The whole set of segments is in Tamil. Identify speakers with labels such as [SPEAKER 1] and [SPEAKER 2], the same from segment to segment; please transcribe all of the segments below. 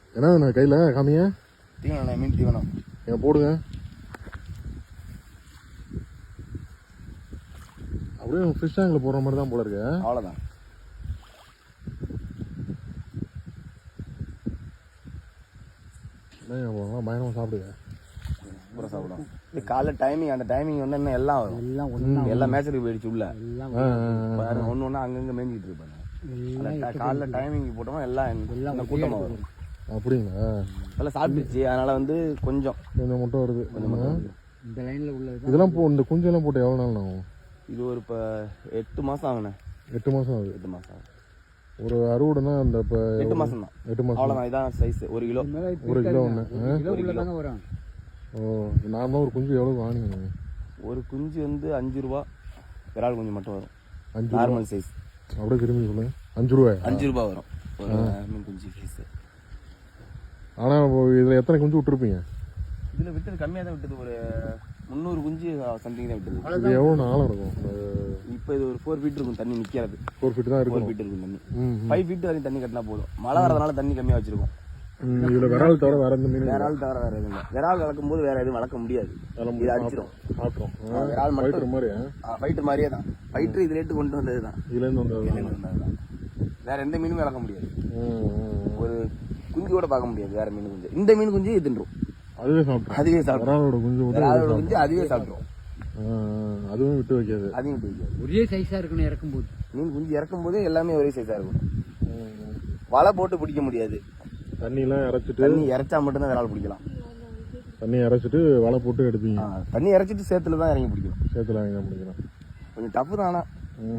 [SPEAKER 1] என்ன கையில் காமிங்க.
[SPEAKER 2] தீவனம் மீன் தீவனம்
[SPEAKER 1] என் போடுங்க. அப்படியே ஃபிஷ் டேங்கில் போடுற மாதிரி தான் போல இருக்கு.
[SPEAKER 2] அவ்வளோதான்.
[SPEAKER 1] பயணமாக சாப்பிடுங்க.
[SPEAKER 2] அப்புறம் சாப்பிடும். இது காலைல டைமிங், அந்த டைமிங் வந்து என்ன எல்லாம் வரும். எல்லாம் மேட்சுக்கு போயிடுச்சு உள்ள. ஒன்று ஒன்று அங்கங்கே மேய்ஞ்சிட்டு இருப்பாங்க. காலைல டைமிங் போட்டோமா எல்லாம் கூட்டமாக வரும்.
[SPEAKER 1] அப்படிங்களா?
[SPEAKER 2] எல்லாம் சாப்பிட்டுச்சு. அதனால வந்து கொஞ்சம்
[SPEAKER 1] மட்டும் வருது.
[SPEAKER 3] இந்த லைனில் உள்ள
[SPEAKER 1] இதெல்லாம் இந்த குஞ்செல்லாம் போட்டு எவ்வளோ நாள் ஆகும்?
[SPEAKER 2] இது ஒரு இப்போ 8 மாதம் ஆகுண்ணே.
[SPEAKER 1] 8 மாதம் ஆகுது.
[SPEAKER 2] 8 மாதம் ஆகும்.
[SPEAKER 1] ஒரு அறுவடைனா அந்த இப்போ
[SPEAKER 2] 8 மாதம் தான்.
[SPEAKER 1] 8 மாதம்
[SPEAKER 2] அவ்வளோதான். இதான் சைஸ். 1 கிலோ.
[SPEAKER 1] 1 கிலோ ஒன்று.
[SPEAKER 3] தாங்க வரும்.
[SPEAKER 1] ஓ, நார்மலாக ஒரு குஞ்சு எவ்வளோ வாங்கினீங்க?
[SPEAKER 2] ஒரு குஞ்சு வந்து 5 ரூபா. விரால் குஞ்சு மட்டும் வரும்.
[SPEAKER 1] 5
[SPEAKER 2] நார்மல் சைஸ்.
[SPEAKER 1] அப்படியே திரும்பி சொல்லுங்க. 5 ரூபாய்.
[SPEAKER 2] 5 ரூபா வரும் ஒரு மீன் குஞ்சு சைஸ்.
[SPEAKER 1] ஆனால் இதில் எத்தனை குஞ்சு விட்டுருப்பீங்க?
[SPEAKER 2] இதில் விட்டது கம்மியாக தான் விட்டது. ஒரு 300 குஞ்சு சம்திங் தான் விட்டது.
[SPEAKER 1] இது எவ்வளோ ஆழம் இருக்கும்?
[SPEAKER 2] இப்போ இது ஒரு 4 ஃபீட் இருக்கும் தண்ணி நிற்கிறது.
[SPEAKER 1] 4 ஃபீட் தான் இருக்கும்.
[SPEAKER 2] 4 ஃபீட் இருக்கும் தண்ணி. 5 ஃபீட் வரைக்கும் தண்ணி கட்டினா போதும். மழை வரதுனால தண்ணி கம்மியாக வச்சிருக்கோம்.
[SPEAKER 1] இதில் விரால் தவிர வேற எந்த மீன்?
[SPEAKER 2] விரால் தவிர வேற எதுவும் இல்லை. விரால் வளர்க்கும் போது வேற எதுவும் வளர்க்க முடியாது. இது அடிச்சிடும்.
[SPEAKER 1] சாப்பிட்றோம்.
[SPEAKER 2] விரால் மட்டும்
[SPEAKER 1] மாதிரி
[SPEAKER 2] ஃபைட்டர் மாதிரியே தான். ஃபைட்டர் இது ரேட்டு கொண்டு வந்தது தான்.
[SPEAKER 1] இதுலேருந்து வந்தது
[SPEAKER 2] தான். வேற எந்த மீனுமே வளர்க்க முடியாது. ஒரு குஞ்சு கூட பார்க்க முடியாது வேற மீன் குஞ்சு. இந்த மீன் குஞ்சு தின்றும்.
[SPEAKER 1] அதுவே சாப்பிடும்.
[SPEAKER 2] விராலோட குஞ்சு அதுவே சாப்பிடும்.
[SPEAKER 1] அதுவும் விட்டு வைக்காது.
[SPEAKER 2] அதையும் விட்டு வைக்காது.
[SPEAKER 3] ஒரே சைஸா இருக்கணும் இறக்கும் போது.
[SPEAKER 2] மீன் குஞ்சு இறக்கும் போதே எல்லாமே ஒரே சைஸா இருக்கும். வலை போட்டு பிடிக்க முடியாது.
[SPEAKER 1] தண்ணியெல்லாம் இறைச்சிட்டு.
[SPEAKER 2] தண்ணி இறைச்சா மட்டும்தான் விரால் பிடிக்கலாம்.
[SPEAKER 1] தண்ணி இறைச்சிட்டு வலை போட்டு எடுப்பீங்க?
[SPEAKER 2] தண்ணி இறைச்சிட்டு சேத்துல தான் இறங்கி பிடிக்கணும்.
[SPEAKER 1] சேத்துல இறங்கி பிடிக்கணும்.
[SPEAKER 2] கொஞ்சம் டஃப் தான். ஆனா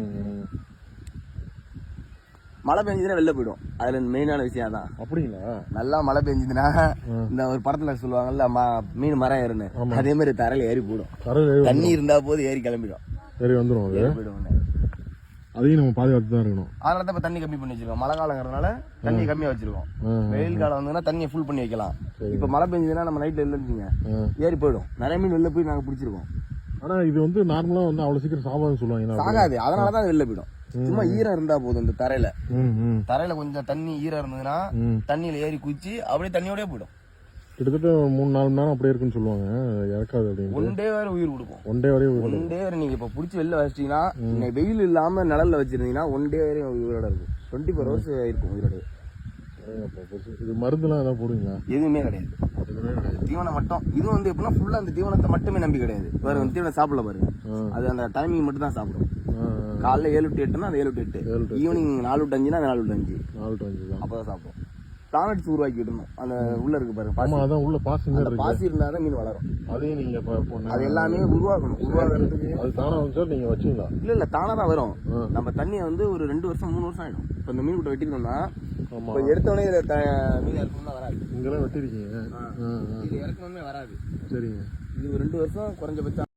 [SPEAKER 2] மழை பெஞ்சதுன்னா வெளில போயிடும். அதுல மெயினான விஷயம் தான்.
[SPEAKER 1] அப்படிங்களா?
[SPEAKER 2] நல்லா மழை பெஞ்சதுன்னா இந்த ஒரு படத்துல சொல்லுவாங்கல்ல மீன் மரம் ஏறுன்னு, அதே மாதிரி தரையில ஏறி போயிடும். தண்ணி இருந்தா போது ஏறி கிளம்பிடும்.
[SPEAKER 1] ஏறி வந்துடும்.
[SPEAKER 2] போயிடும்.
[SPEAKER 1] அதையும் நம்ம பாதுகாத்து தான் இருக்கணும்.
[SPEAKER 2] அதனால தான் இப்ப தண்ணி கம்மி பண்ணி வச்சிருக்கோம். மழை காலங்கிறதுனால தண்ணி கம்மியா வச்சிருக்கோம். வெயில் காலம் வந்ததுன்னா தண்ணியை ஃபுல் பண்ணி வைக்கலாம். இப்ப மழை பெஞ்சதுன்னா நம்ம நைட்ல இல்லைன்னு ஏறி போயிடும். நிறைய மீன் வெளில போய் நாங்க பிடிச்சிருக்கோம்.
[SPEAKER 1] ஆனா இது வந்து நார்மலா வந்து அவ்வளவு சீக்கிரம் சாகாதுன்னு சொல்லுவாங்க.
[SPEAKER 2] சாகாது. அதனாலதான் வெளில போயிடும். சும்மா ஈரம் இருந்தா போதும். இந்த தரையில கொஞ்சம் தண்ணி ஈரம் இருந்ததுன்னா தண்ணியில ஏறி குச்சி அப்படியே தண்ணியோடய போயிடும்.
[SPEAKER 1] கிட்டத்தட்ட 3-4 மணி நேரம் அப்படியே இருக்குன்னு சொல்லுவாங்க. இறக்காது அப்படின்னு.
[SPEAKER 2] 1 டே வரை உயிர் கொடுக்கும்.
[SPEAKER 1] 1 டே வரையும்
[SPEAKER 2] 1 டே வரை நீங்க இப்ப புடிச்சு வெளில வச்சிட்டீங்கன்னா, வெயில் இல்லாம நிழல்ல வச்சிருந்தீங்கன்னா 1 டே வரையும் உயிரோட இருக்கும். 24 ஹவர்ஸ் இருக்கும் உயிரோட. இது மருந்துலாம் ஏதாவது போடுவீங்களா? எதுவுமே கிடையாது. தீவனம் மட்டும். இது வந்து எப்படின்னா ஃபுல்லா அந்த தீவனத்தை மட்டுமே நம்பி கிடையாது. வேற தீவனம் சாப்பிடல பாருங்க. அது அந்த டைமிங் மட்டும் தான் சாப்பிடும். காலைல 7 to 8னா அது 7 to 8. ஈவினிங் 4 to 5னா 4 to 5.
[SPEAKER 1] 4 to 5 தான்.
[SPEAKER 2] அப்பதான் சாப்பிடும். பிளானட்ஸ் உருவாக்கி விடணும். அந்த உள்ள இருக்கு பாருங்க.
[SPEAKER 1] ஆமா, அதான் உள்ள பாசி
[SPEAKER 2] இருந்தாதான் மீன் வளரும்.
[SPEAKER 1] அதையும் நீங்க
[SPEAKER 2] அது எல்லாமே உருவாக்கணும். உருவாக்குறதுக்கு
[SPEAKER 1] அது தானா வந்து நீங்க வச்சீங்களா?
[SPEAKER 2] இல்ல தானா தான் வரும். நம்ம தண்ணியை வந்து ஒரு 2 வருஷம் 3 வருஷம் ஆயிடும். இப்ப இந்த மீன் கூட்ட வெட்டிக்கணும்னா எடுத்தோடனே மீன் இறக்கணும்னா வராது.
[SPEAKER 1] இங்கெல்லாம் வெட்டிருக்கீங்க.
[SPEAKER 2] இது இறக்கணும்னே வராது.
[SPEAKER 1] சரிங்க.
[SPEAKER 2] இது ஒரு 2 வருஷம் குறைஞ்சபட்சம்